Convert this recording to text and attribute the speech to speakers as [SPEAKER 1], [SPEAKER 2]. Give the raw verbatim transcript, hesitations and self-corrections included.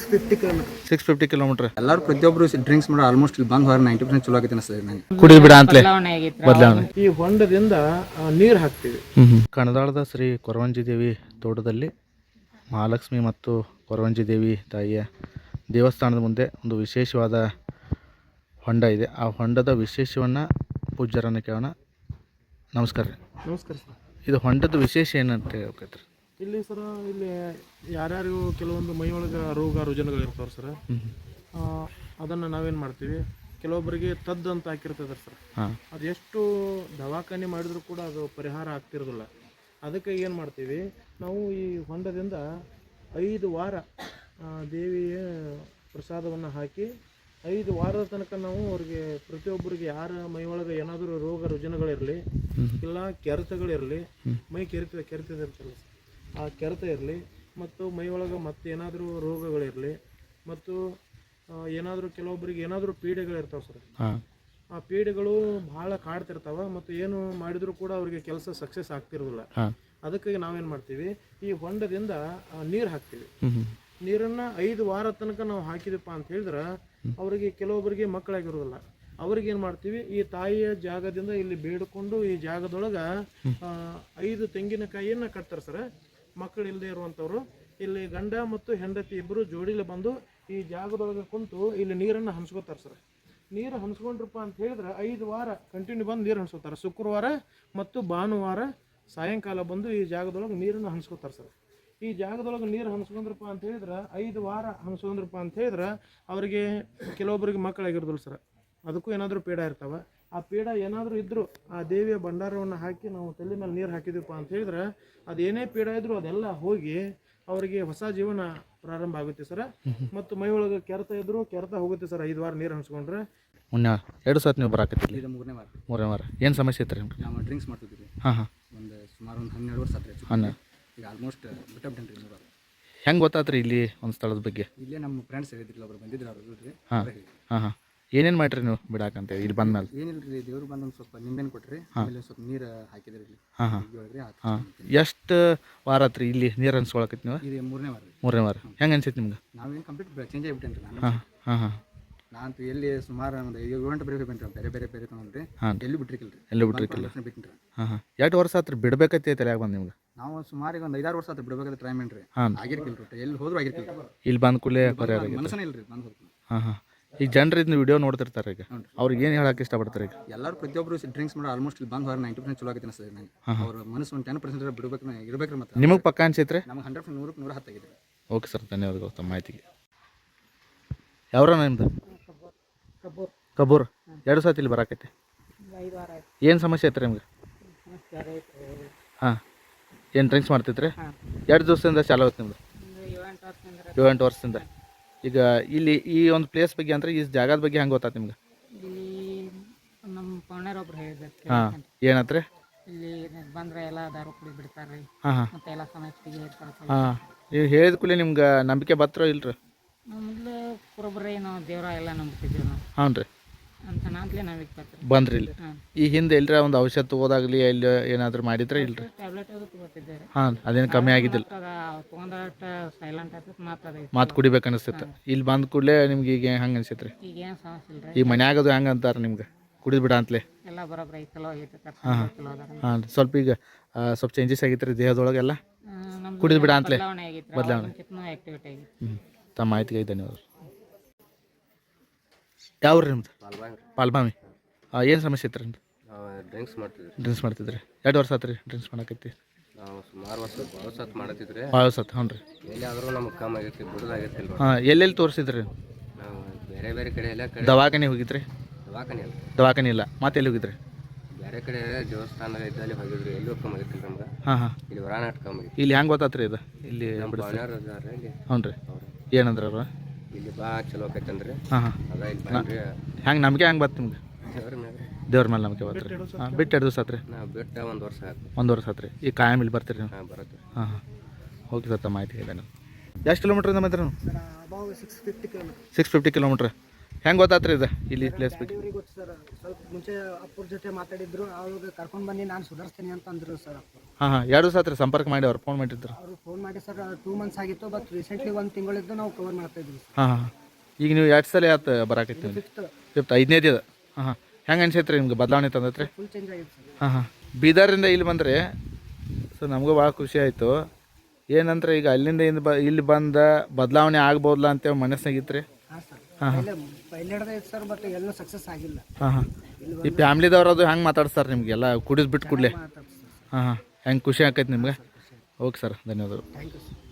[SPEAKER 1] Six fifty kilometre
[SPEAKER 2] six fifty kilometre.
[SPEAKER 1] ಎಲ್ಲರೂ ಪ್ರತಿಯೊಬ್ಬರು drinks ಮಾಡೋ ಆಲ್ಮೋಸ್ಟ್ ಇಲ್ಲಿ ಬಂದು ಹೋಗಿ ನೈಂಟಿ ಪರ್ಸೆಂಟ್ ಚಲೋ ಆಗೈತೆ ಅನಿಸ್ತದೆ ನನಗೆ.
[SPEAKER 2] ಕುಡಿದು ಬಿಡ ಅಂತಲೇ ಬದಲಾವಣೆ.
[SPEAKER 3] ಈ ಹೊಂಡದಿಂದ ನೀರು ಹಾಕ್ತೀವಿ.
[SPEAKER 2] ಕಣದಾಳದ ಶ್ರೀ ಕೊರವಂಜಿ ದೇವಿ ತೋಟದಲ್ಲಿ ಮಹಾಲಕ್ಷ್ಮಿ ಮತ್ತು ಕೊರವಂಜಿ ದೇವಿ ತಾಯಿಯ ದೇವಸ್ಥಾನದ ಮುಂದೆ ಒಂದು ವಿಶೇಷವಾದ ಹೊಂಡ ಇದೆ. ಆ ಹೊಂಡದ ವಿಶೇಷವನ್ನು ಪೂಜ್ಯರನ್ನು ಕೇಳೋಣ. ನಮಸ್ಕಾರ ರೀ.
[SPEAKER 3] ನಮಸ್ಕಾರ ಸರ್.
[SPEAKER 2] ಇದು ಹೊಂಡದ ವಿಶೇಷ ಏನಂತ ಹೇಳ್ಬೇಕ್ರಿ?
[SPEAKER 3] ಇಲ್ಲಿ ಸರ ಇಲ್ಲಿ ಯಾರ್ಯಾರಿಗೂ ಕೆಲವೊಂದು ಮೈಯೊಳಗೆ ರೋಗ ರುಜಿನಗಳು ಇರ್ತಾವೆ ಸರ್. ಅದನ್ನು ನಾವೇನು ಮಾಡ್ತೀವಿ, ಕೆಲವೊಬ್ಬರಿಗೆ ತದ್ದು ಅಂತ ಹಾಕಿರ್ತದೆ ಸರ್. ಅದು ಎಷ್ಟು ದವಾಖಾನೆ ಮಾಡಿದ್ರು ಕೂಡ ಅದು ಪರಿಹಾರ ಆಗ್ತಿರೋದಿಲ್ಲ. ಅದಕ್ಕೆ ಏನು ಮಾಡ್ತೀವಿ ನಾವು, ಈ ಹೊಂಡದಿಂದ ಐದು ವಾರ ದೇವಿಯ ಪ್ರಸಾದವನ್ನು ಹಾಕಿ ಐದು ವಾರದ ತನಕ ನಾವು ಅವ್ರಿಗೆ ಪ್ರತಿಯೊಬ್ಬರಿಗೆ ಯಾರ ಮೈಯೊಳಗೆ ಏನಾದರೂ ರೋಗ ರುಜಿನಗಳಿರಲಿ, ಇಲ್ಲ ಕೆರೆತಗಳಿರಲಿ, ಮೈ ಕೆರೆತ ಕೆರೆತದಿರ್ತಲ್ಲ ಆ ಕೆರೆತ ಇರಲಿ, ಮತ್ತು ಮೈಯೊಳಗೆ ಮತ್ತೆ ಏನಾದರೂ ರೋಗಗಳಿರಲಿ, ಮತ್ತು ಏನಾದರೂ ಕೆಲವೊಬ್ಬರಿಗೆ ಏನಾದರೂ ಪೀಡೆಗಳಿರ್ತಾವೆ ಸರ್. ಆ ಪೀಡೆಗಳು ಭಾಳ ಕಾಡ್ತಿರ್ತಾವೆ ಮತ್ತು ಏನು ಮಾಡಿದರೂ ಕೂಡ ಅವ್ರಿಗೆ ಕೆಲಸ ಸಕ್ಸಸ್ ಆಗ್ತಿರೋದಿಲ್ಲ. ಅದಕ್ಕಾಗಿ ನಾವೇನು ಮಾಡ್ತೀವಿ, ಈ ಹೊಂಡದಿಂದ ನೀರು ಹಾಕ್ತೀವಿ. ನೀರನ್ನು ಐದು ವಾರ ತನಕ ನಾವು ಹಾಕಿದಪ್ಪ ಅಂತ ಹೇಳಿದ್ರೆ ಅವರಿಗೆ ಕೆಲವೊಬ್ಬರಿಗೆ ಮಕ್ಕಳಾಗಿರೋದಿಲ್ಲ. ಅವ್ರಿಗೆ ಏನು ಮಾಡ್ತೀವಿ, ಈ ತಾಯಿಯ ಜಾಗದಿಂದ ಇಲ್ಲಿ ಬೇಡಿಕೊಂಡು ಈ ಜಾಗದೊಳಗೆ ಐದು ತೆಂಗಿನಕಾಯಿಯನ್ನು ಕಟ್ತಾರೆ ಸರ್. ಮಕ್ಕಳು ಇಲ್ಲದೆ ಇರುವಂಥವ್ರು ಇಲ್ಲಿ ಗಂಡ ಮತ್ತು ಹೆಂಡತಿ ಇಬ್ಬರು ಜೋಡಿಲಿ ಬಂದು ಈ ಜಾಗದೊಳಗೆ ಕುಂತು ಇಲ್ಲಿ ನೀರನ್ನು ಹಂಚ್ಕೋತಾರೆ ಸರ್. ನೀರು ಹಂಚ್ಕೊಂಡ್ರಪ್ಪ ಅಂತ ಹೇಳಿದ್ರೆ ಐದು ವಾರ ಕಂಟಿನ್ಯೂ ಬಂದು ನೀರು ಹಂಚ್ಕೋತಾರೆ. ಶುಕ್ರವಾರ ಮತ್ತು ಭಾನುವಾರ ಸಾಯಂಕಾಲ ಬಂದು ಈ ಜಾಗದೊಳಗೆ ನೀರನ್ನು ಹಂಚ್ಕೋತಾರೆ ಸರ್. ಈ ಜಾಗದೊಳಗೆ ನೀರು ಹಂಚ್ಕೊಂಡ್ರಪ್ಪ ಅಂತ ಹೇಳಿದ್ರೆ ಐದು ವಾರ ಹಂಚ್ಕೊಂಡ್ರಪ್ಪ ಅಂತ ಹೇಳಿದ್ರೆ ಅವರಿಗೆ ಕೆಲವೊಬ್ಬರಿಗೆ ಮಕ್ಕಳಾಗಿರೋದಿಲ್ಲ ಸರ್. ಅದಕ್ಕೂ ಏನಾದರೂ ಪೀಡ ಇರ್ತಾವೆ. ಆ ಪೀಡ ಏನಾದರೂ ಇದ್ದರೂ ಆ ದೇವಿಯ ಭಂಡಾರವನ್ನು ಹಾಕಿ ನಾವು ತಲೆ ಮೇಲೆ ನೀರು ಹಾಕಿದೀವಪ್ಪ ಅಂತ ಹೇಳಿದ್ರೆ ಅದೇನೇ ಪೀಡ ಇದ್ದರೂ ಅದೆಲ್ಲ ಹೋಗಿ ಅವರಿಗೆ ಹೊಸ ಜೀವನ ಪ್ರಾರಂಭ ಆಗುತ್ತೆ ಸರ್. ಮತ್ತು ಮೈ ಒಳಗೆ ಕೆರೆತ ಇದ್ದರೂ ಕೆರೆತ ಹೋಗುತ್ತೆ ಸರ್ ಐದು ವಾರ ನೀರು ಹಂಚ್ಕೊಂಡ್ರೆ.
[SPEAKER 2] ಮುನ್ನ ಎರಡು ಸತ್ ನೀವು ಬರಾಕತ್ತಿಲ್ಲ?
[SPEAKER 1] ಇದು ಮೂರನೇ ವಾರ.
[SPEAKER 2] ಮೂರನೇ ವಾರ. ಏನು ಸಮಸ್ಯೆ ಇತ್ತು ರೀ ನಿಮ್ಗೆ?
[SPEAKER 1] ನಾವು ಡ್ರಿಂಕ್ಸ್ ಮಾಡ್ತಿದ್ವಿ.
[SPEAKER 2] ಹಾಂ ಹಾಂ
[SPEAKER 1] ಒಂದು ಸುಮಾರು ಒಂದು ಹನ್ನೆರಡು ವರ್ಷ ಆತ್ರಿ.
[SPEAKER 2] ಹನ್ನೆರಡು.
[SPEAKER 1] ಈಗ ಆಲ್ಮೋಸ್ಟ್ ಬಿಟ್ಟಬಿಟ್ಟೇನೆ ರೀ ಮೂರು.
[SPEAKER 2] ಹೆಂಗೆ ಗೊತ್ತಾತ್ರಿ ಇಲ್ಲಿ ಒಂದು ಸ್ಥಳದ ಬಗ್ಗೆ?
[SPEAKER 1] ಇಲ್ಲೇ ನಮ್ಮ ಫ್ರೆಂಡ್ಸ್ ಹೇಳಿದ್ರಲ್ಲ, ಒಬ್ರು ಬಂದಿದ್ರು ಅವ್ರು ರೀ.
[SPEAKER 2] ಹಾಂ ಹಾಂ ಹಾಂ ಏನೇನು ಮಾಡಿರಿ ನೀವು ಬಿಡಾಕಂತೇಳಿ ಇಲ್ಲಿ ಬಂದ ಮೇಲೆ?
[SPEAKER 1] ಏನಿಲ್ಲ ರೀ, ದೇವ್ರು ಬಂದು ಒಂದು ಸ್ವಲ್ಪ ನಿಂಬೆಣ್ಣೆ ಕೊಟ್ರಿ, ಆಮೇಲೆ ಸ್ವಲ್ಪ ನೀರು ಹಾಕಿದ್ರಿ ಇಲ್ಲಿ.
[SPEAKER 2] ಹಾಂ ಹಾಂ
[SPEAKER 1] ಹೇಳ್ರಿ.
[SPEAKER 2] ಹಾಂ ಎಷ್ಟು ವಾರ ಆತ್ರಿ ಇಲ್ಲಿ ನೀರು ಅನ್ಸ್ಕೊಳಕೈತಿ ನೀವು?
[SPEAKER 1] ಇದು ಮೂರನೇ ವಾರ ರೀ.
[SPEAKER 2] ಮೂರನೇ ವಾರ. ಹೆಂಗೆ ಅನ್ಸೈತಿ ನಿಮ್ಗೆ?
[SPEAKER 1] ನಾವೇನು ಕಂಪ್ಲೀಟ್ ಚೇಂಜ್ ಆಗಿಬಿಟ್ಟೇನೆ ರೀ ನಾನು.
[SPEAKER 2] ಹಾಂ ಹಾಂ ಹಾಂ
[SPEAKER 1] ನಾನಂತೂ ಎಲ್ಲಿ ಸುಮಾರು ಒಂದು ಏಳು ಗಂಟೆ ಬೇರೆ ಬೇರೆ ಬೇರೆ ಬೇರೆ ಬೇರೆ ತೊಗೊಂಡ್ರಿ.
[SPEAKER 2] ಹಾಂ
[SPEAKER 1] ಎಲ್ಲಿ ಬಿಟ್ಟಿರ್ಕಿಲ್ಲ ರೀ.
[SPEAKER 2] ಎಲ್ಲೂ ಬಿಟ್ಟಿರ್ಕಿಲ್ಲ.
[SPEAKER 1] ಬಿಟ್ಟಿರಿ.
[SPEAKER 2] ಹಾಂ ಹಾಂ ಎಷ್ಟು ವರ್ಷ ಆತ್ರಿ ಬಿಡ್ಬೇಕೈತಿ ತಲೆಯಾಗ ಬಂದು ನಿಮ್ಗೆ?
[SPEAKER 1] ನಾವು ಸುಮಾರು ಒಂದು ಐದಾರು ವರ್ಷ ಆತ್ರಿ ಬಿಡ್ಬೇಕಾದ್ರೆ ಟ್ರೈ ಮಾಡ್ರಿ.
[SPEAKER 2] ಹಾಂ
[SPEAKER 1] ಆಗಿರ್ಕಿಲ್ಲ ರೀ, ಎಲ್ಲಿ ಹೋದ್ರು ಆಗಿರ್ಕಿಲ್ಲ.
[SPEAKER 2] ಇಲ್ಲಿ ಬಂದ ಕೂಡಲೇ ಪರಿಹಾರ ಆಗೈತೆ?
[SPEAKER 1] ಮನಸ್ಸನೇ ಇಲ್ಲ ರೀ ಬಂದು ಹೋಗ್ತೀನಿ.
[SPEAKER 2] ಹಾಂ ಹಾಂ ಈಗ ಜನರು ಇದನ್ನ ವಿಡಿಯೋ ನೋಡ್ತಿರ್ತಾರೆ, ಈಗ ಅವ್ರಿಗೆ ಏನು ಹೇಳಕ್ಕೆ ಇಷ್ಟಪಡ್ತಾರೆ? ಈಗ
[SPEAKER 1] ಎಲ್ಲರೂ ಪ್ರತಿಯೊಬ್ಬರು ಡ್ರಿಂಕ್ಸ್ ಮಾಡೋ ಆಲ್ಮೋಸ್ಟ್ ಇಲ್ಲಿ ಬಂದು ಹೋಗಿ ನೈಂಟಿ ಪರ್ಸೆಂಟ್ ಚಲೋ ಆಗೈತೆ ಅನಿಸ್ತದೆ ನನಗೆ. ಅವ್ರ ಮನಸ್ಸು ಒಂದು ಟೆನ್ ಪರ್ಸೆಂಟ್ ಬಿಡ್ಬೇಕು ಇರ್ಬೇಕ್ರಿ. ಮತ್ತೆ
[SPEAKER 2] ನಿಮಗೆ ಪಕ್ಕ ಅನ್ಸೈತ್ರಿ?
[SPEAKER 1] ನಮ್ಗೆ ಹಂಡ್ರೆಡ್ ಪರ್ಸೆಂಟ್ ನೂರಕ್ಕೆ ನೂರ ಹತ್ತಾಗಿದೆ.
[SPEAKER 2] ಓಕೆ ಸರ್, ಧನ್ಯವಾದಗಳು ತಮ್ಮ ಮಾಹಿತಿಗೆ. ಯಾವ್ರ ನಿಮ್ದು? ಕಬೂರ್. ಎರಡು ಸತಿ ಇಲ್ಲಿ ಬರಾಕೈತಿ. ಏನು ಸಮಸ್ಯೆ ಐತ್ರಿ ನಿಮ್ಗೆ? ಹಾಂ ಏನು ಡ್ರಿಂಕ್ಸ್ ಮಾಡ್ತೈತ್ರಿ? ಎರಡು ದಿವಸದಿಂದ ಚಾಲು ಆಗುತ್ತೆ ನಿಮ್ದು? ಏಳು ಎಂಟು ವರ್ಷದಿಂದ. ಈಗ ಇಲ್ಲಿ ಈ ಒಂದು ಪ್ಲೇಸ್ ಬಗ್ಗೆ ಅಂದ್ರೆ ಈ ಜಾಗದ ಬಗ್ಗೆ ಹೆಂಗೆ ಗೊತ್ತಾಯ್ತು ನಿಮ್ಗೆ?
[SPEAKER 4] ನಮ್ಮ ಪೌಣರೊಬ್ರು ಹೇಳಿದ್ರು.
[SPEAKER 2] ಹಾಂ ಏನತ್ರಿ?
[SPEAKER 4] ಇಲ್ಲಿ ಬಂದ್ರೆ ಎಲ್ಲ ದಾರು ಕುಡಿ ಬಿಡ್ತಾರ್ರಿ.
[SPEAKER 2] ಹಾಂ ಹಾಂ
[SPEAKER 4] ಮತ್ತೆ ಎಲ್ಲ ಸಮಸ್ಯೆಗೆ ಇರ್ತಾರೆ.
[SPEAKER 2] ಹಾಂ ನೀವು ಹೇಳಿದ ಕೂಡಲೇ ನಿಮ್ಗೆ ನಂಬಿಕೆ ಬತ್ತರೋ ಇಲ್ರಿ?
[SPEAKER 4] ಮೊದಲು ಕುರುಬ್ರಿ ನಾವು ದೇವ್ರ ಎಲ್ಲ ನಂಬ್ತಿದ್ವಿ ನಾವು.
[SPEAKER 2] ಹಾಂ ರೀ.
[SPEAKER 4] ಅಂತ ನಾಂತಲೇ ನಂಬಿಕೆ ಬರ್ತೀವಿ.
[SPEAKER 2] ಬಂದ್ರಿ ಇಲ್ಲಿ? ಈ ಹಿಂದೆ ಎಲ್ಲರ ಒಂದು ಔಷಧ ತಗೋದಾಗ್ಲಿ ಇಲ್ಲಿ ಏನಾದರೂ ಮಾಡಿದ್ರೆ ಇಲ್ರಿ?
[SPEAKER 4] ಟ್ಯಾಬ್ಲೆಟ್ ಅದು ತಗೋತಿದ್ದೇವೆ.
[SPEAKER 2] ಹಾಂ ಅದೇನು ಕಮ್ಮಿ ಆಗಿದ್ದಿಲ್ಲ?
[SPEAKER 4] ತೊಗೊಂಡಾಟ ಸೈಲೆಂಟ್ ಆಗ್ತದೆ, ಮಾತಾಡ
[SPEAKER 2] ಮಾತು ಕುಡಿಬೇಕು ಅನಿಸ್ತೈತೆ. ಇಲ್ಲಿ ಬಂದ ಕೂಡಲೇ ನಿಮ್ಗೆ ಈಗ ಹೆಂಗೆ ಅನಿಸೈತೆ ರೀ?
[SPEAKER 4] ಈಗ ಏನು ಸಮಸ್ಯೆ ಇಲ್ರಿ.
[SPEAKER 2] ಈಗ ಮನ್ಯಾಗದು ಹೆಂಗೆ ಅಂತಾರೆ ನಿಮ್ಗೆ ಕುಡಿದು ಬಿಡ ಅಂತಲೇ?
[SPEAKER 4] ಎಲ್ಲ ಬರೋಬ್ರಿ ಚಲೋ ಆಗೈತೆ.
[SPEAKER 2] ಹಾಂ ಹಾಂ ಸ್ವಲ್ಪ ಈಗ ಸ್ವಲ್ಪ ಚೇಂಜಸ್ ಆಗೈತೆ ರೀ ದೇಹದೊಳಗೆಲ್ಲ? ಕುಡಿದು ಬಿಡ ಅಂತಲೇ ಬದಲಾವಣೆ
[SPEAKER 4] ಆಕ್ಟಿವಿಟಿ ಆಗೈತೆ.
[SPEAKER 2] ಹ್ಞೂ ತಮ್ಮ ಮಾಹಿತಿಗೆ ಧನ್ಯವಾದ. ಯಾವ ರೀ ನಿಮ್ದು? ಪಾಲ್ಬಾಮಿ. ಏನು ಸಮಸ್ಯೆ ಇತ್ತು ರೀ?
[SPEAKER 5] ಡ್ರಿಂಕ್ಸ್ ಮಾಡ್ತಿದ್ರಿ.
[SPEAKER 2] ಡ್ರಿಂಕ್ಸ್ ಮಾಡ್ತಿದ್ರಿ? ಎರಡು ವರ್ಷ ಆತ್ರಿ ಡ್ರಿಂಕ್ಸ್ ಮಾಡಕೈತಿ?
[SPEAKER 5] ನಾವು ಸುಮಾರು ವರ್ಷ ಭಾಳ ಸತ್ ಮಾಡತ್ತಿದ್ರಿ.
[SPEAKER 2] ಭಾಳ ಸತ್. ಹ್ಞೂ ರೀ.
[SPEAKER 5] ಎಲ್ಲಿ ಆದರೂ ನಮ್ಗೆ ಕಮ್ಮಿ ಆಗೈತಿ, ಬಿಡೋದಾಗೈತಿಲ್ಲ.
[SPEAKER 2] ಹಾಂ ಎಲ್ಲೆಲ್ಲಿ ತೋರಿಸಿದ್ರಿ?
[SPEAKER 5] ನಾವು ಬೇರೆ ಬೇರೆ ಕಡೆ ಎಲ್ಲ ಕಡೆ
[SPEAKER 2] ದವಾಖಾನೆ ಹೋಗಿದ್ರಿ?
[SPEAKER 5] ದವಾಖಾನೆ ಅಲ್ಲ.
[SPEAKER 2] ದವಾಖಾನೆ ಇಲ್ಲ, ಮತ್ತೆ ಎಲ್ಲಿ ಹೋಗಿದ್ರಿ?
[SPEAKER 5] ಬೇರೆ ಕಡೆ ದೇವಸ್ಥಾನ ಇದ್ದಲ್ಲಿ ಹೋಗಿದ್ರಿ, ಎಲ್ಲೂ ಕಮ್ಮಿ ಆಗೈತಿಲ್ಲ ನಮ್ಗೆ.
[SPEAKER 2] ಹಾಂ ಹಾಂ
[SPEAKER 5] ಇಲ್ಲಿ ಹೊರಾನಾಟ ಕಮ್ಮಿ ಆಗೈತಿ.
[SPEAKER 2] ಇಲ್ಲಿ ಹೆಂಗೆ ಗೊತ್ತಾತ್ರಿ ಇದು? ಇಲ್ಲಿ
[SPEAKER 5] ನಮ್ಮ ಭಾವನೆಯವ್ರು ಅದಾರ ಇಲ್ಲಿ.
[SPEAKER 2] ಹ್ಞೂ ರೀ. ಏನಂದ್ರೆ ಅವ್ರು?
[SPEAKER 5] ಇಲ್ಲಿ ಬಾ ಚಲೋ ಆಕೈತಂದ್ರಿ.
[SPEAKER 2] ಹಾಂ ಹಾಂ
[SPEAKER 5] ಅದ ಇಲ್ಲಿ ಬಂದ್ರಿ.
[SPEAKER 2] ಹೆಂಗೆ ನಂಬಿಕೆ ಹೆಂಗೆ ಬತ್ತು ನಿಮ್ಗೆ?
[SPEAKER 5] ದೇವ್ರ ಮ್ಯಾಗ
[SPEAKER 2] ದೇವ್ರ ಮೇಲೆ ನಂಬಿಕೆ ಬತ್ತು ರೀ. ಹಾಂ ಬಿಟ್ಟು ಎರಡು ದಿವಸ ಆತ್ರಿ?
[SPEAKER 5] ನಾವು ಬಿಟ್ಟು ಒಂದು ವರ್ಷ ಆಯ್ತು.
[SPEAKER 2] ಒಂದು ವರ್ಷ ಆತ್ರಿ. ಈಗ ಕಾಯಂ ಇಲ್ಲಿ ಬರ್ತೀರಿ ನೀವು?
[SPEAKER 5] ಹಾಂ ಬರುತ್ತೆ.
[SPEAKER 2] ಹಾಂ ಹಾಂ ಓಕೆ ಸರ್, ತಮ್ಮ ಮಾಹಿತಿ ಇದೆ. ನೀವು ಎಷ್ಟು ಕಿಲೋಮೀಟ್ರಿಂದ ಬಂದ್ರಿ ನೀವು?
[SPEAKER 3] Six fifty kilometre.
[SPEAKER 2] Six fifty kilometre. ಹೆಂಗೆ ಗೊತ್ತಾತ್ರಿ ಇದು ಇಲ್ಲಿ ಪ್ಲೇಸ್ ಬಗ್ಗೆ?
[SPEAKER 6] ಇವ್ರಿಗೆ ಗೊತ್ತು ಸರ್, ಸ್ವಲ್ಪ ಮುಂಚೆ ಅಪ್ಪರ ಜೊತೆ ಮಾತಾಡಿದ್ರು, ಅವಾಗ ಕರ್ಕೊಂಡು ಬಂದು ನಾನು ಸುಧಾರಿಸ್ತೀನಿ ಅಂತ ಅಂದರು ಸರ್ ಅಪ್ಪ.
[SPEAKER 2] ಹಾಂ ಹಾಂ ಎರಡು ದಿವಸ ಆತ್ರಿ ಸಂಪರ್ಕ ಮಾಡಿ ಅವ್ರು ಫೋನ್ ಮಾಡಿದ್ರು?
[SPEAKER 6] ಅವರು ಫೋನ್ ಮಾಡಿ ಸರ್ ಟೂ ಮಂತ್ಸ್ ಆಗಿತ್ತು, ಬಟ್ ರೀಸೆಂಟ್ಲಿ ಒಂದು ತಿಂಗಳಿದ್ದು ನಾವು ಕವರ್ ಮಾಡ್ತಾ ಇದ್ವಿ ಸರ್.
[SPEAKER 2] ಹಾಂ ಹಾಂ ಈಗ ನೀವು ಎರಡು ಸಲ ಆಯ್ತು ಬರಾಕೈತಿ
[SPEAKER 6] ಫಿಫ್ತ್
[SPEAKER 2] ಫಿಫ್ತ್ ಐದನೇದು ಇದು. ಹಾಂ ಹಾಂ ಹೆಂಗೆ ಅನ್ಸೈತ್ರಿ ನಿಮ್ಗೆ ಬದಲಾವಣೆ ತಂದತ್ರಿ?
[SPEAKER 6] ಫುಲ್ ಚೇಂಜ್ ಆಗಿದೆ ಸರ್.
[SPEAKER 2] ಹಾಂ ಹಾಂ ಬೀದರಿಂದ ಇಲ್ಲಿ ಬಂದರೆ ಸೊ ನಮಗೂ ಭಾಳ ಖುಷಿ ಆಯಿತು. ಏನಂದ್ರೆ ಈಗ ಅಲ್ಲಿಂದ ಇಂದ ಬ ಇಲ್ಲಿ ಬಂದ ಬದಲಾವಣೆ ಆಗ್ಬೋದಲ್ಲ ಅಂತೇಳಿ ಮನಸ್ಸಾಗಿತ್ತು ರೀ.
[SPEAKER 6] ಹಾಂ ಸರ್, ಪೈಲೆ ಪೈಲೆ ಹಿಡ್ದೆ ಇತ್ತು ಸರ್, ಬಟ್ ಎಲ್ಲೂ ಸಕ್ಸಸ್ ಆಗಿಲ್ಲ.
[SPEAKER 2] ಹಾಂ ಹಾಂ ಈ ಫ್ಯಾಮ್ಲಿದವ್ರು ಅದು ಹೆಂಗೆ ಮಾತಾಡ್ತಾರೆ ನಿಮಗೆಲ್ಲ ಕುಡಿಸ್ಬಿಟ್ಟು ಕೂಡಲೇ?
[SPEAKER 6] ಮಾತಾಡ್ತೀವಿ ಸರ್.
[SPEAKER 2] ಹಾಂ ಹಾಂ ಹೆಂಗೆ ಖುಷಿ ಆಕೈತೆ ನಿಮ್ಗೆ? ಓಕೆ ಸರ್, ಧನ್ಯವಾದಗಳು.
[SPEAKER 6] Thank you sir.